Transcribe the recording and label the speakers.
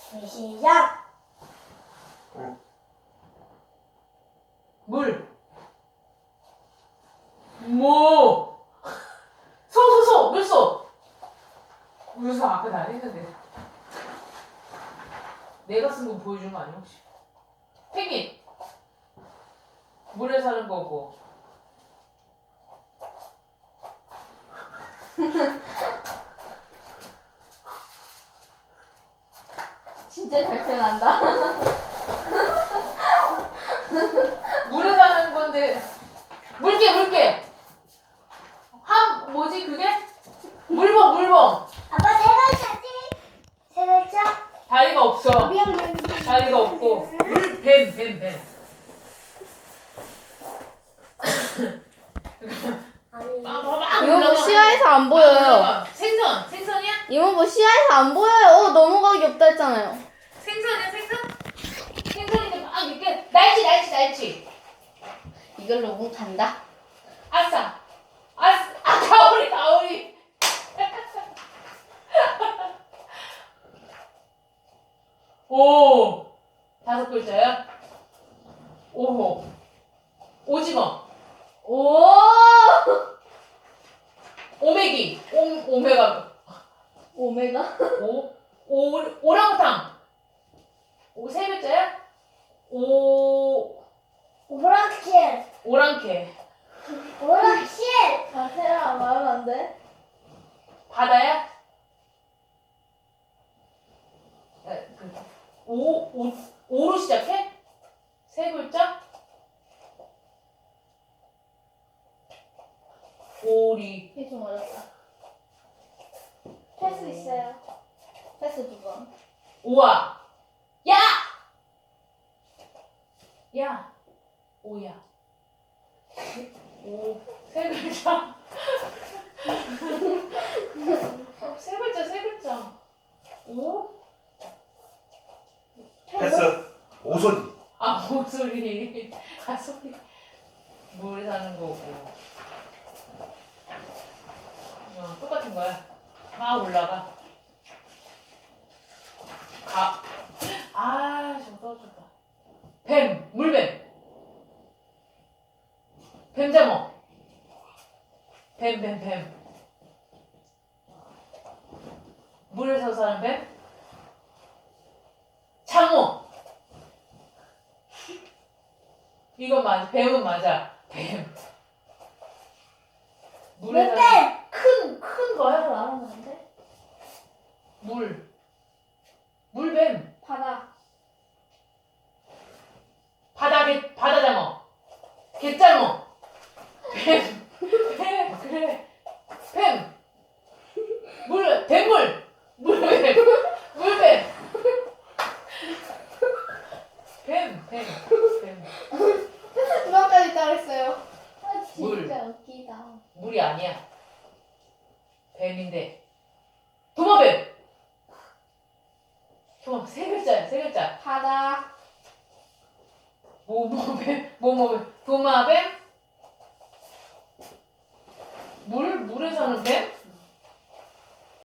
Speaker 1: 시작.
Speaker 2: 물. 모. 소. 물소 앞에 다 했는데. 내가 쓴 거 보여준 거 아니야 혹시? 펭귄. 물에 사는 거고.
Speaker 3: 진짜 잘 표현한다.
Speaker 2: 물에 사는 건데. 물개. 뭐지 그게? 물범.
Speaker 1: 아빠 세 글자지? 세 글자?
Speaker 2: 다리가 없어.
Speaker 1: 미안.
Speaker 2: 다리가 없고. 뱀.
Speaker 1: 아니.
Speaker 3: 이모부 시야에서 안 보여요.
Speaker 2: 생선이야?
Speaker 3: 이모부 시야에서 안 보여요. 넘어가기 없다 했잖아요.
Speaker 2: 생선이야? 생선인데 막 이렇게 날치.
Speaker 3: 이걸로 뭉 간다.
Speaker 2: 아싸. 가오리. 오. 5글자야? 오호. 오징어.
Speaker 3: 오!
Speaker 2: 오메기. 오메가.
Speaker 3: 오메가?
Speaker 2: 오랑우탕. 3글자야?
Speaker 1: 오락실.
Speaker 2: 오랑캐.
Speaker 3: 자세랑 말하면 안 돼?
Speaker 2: 바다야? 오로 시작해? 3글자? 오리.
Speaker 3: 이게 좀 어렵다.
Speaker 1: 패스 있어요.
Speaker 3: 패스 2번.
Speaker 2: 오아. 야. 오야. 3글자. 3글자. 오?
Speaker 4: 패스. 오손.
Speaker 2: 목소리. 소리. 물에 사는 거고. 똑같은 거야. 막 올라가. 저거 떨어졌다. 물뱀. 뱀장어. 뱀. 물에서 사는 뱀? 장어. 이건 맞아. 뱀은 맞아. 뱀. 물에 사는 큰 거야?
Speaker 3: 말하면 안 돼?
Speaker 2: 물뱀. 바다장어. 갯장어. 뱀. 그래. 뱀. 물뱀. 뱀.
Speaker 3: 그거까지 따랐어요. 아,
Speaker 2: 물.
Speaker 3: 진짜 웃기다.
Speaker 2: 물이 아니야. 뱀인데. 도마뱀. 3글자야. 3글자.
Speaker 3: 바다.
Speaker 2: 뭐뱀. 도마뱀. 물에 사는 뱀?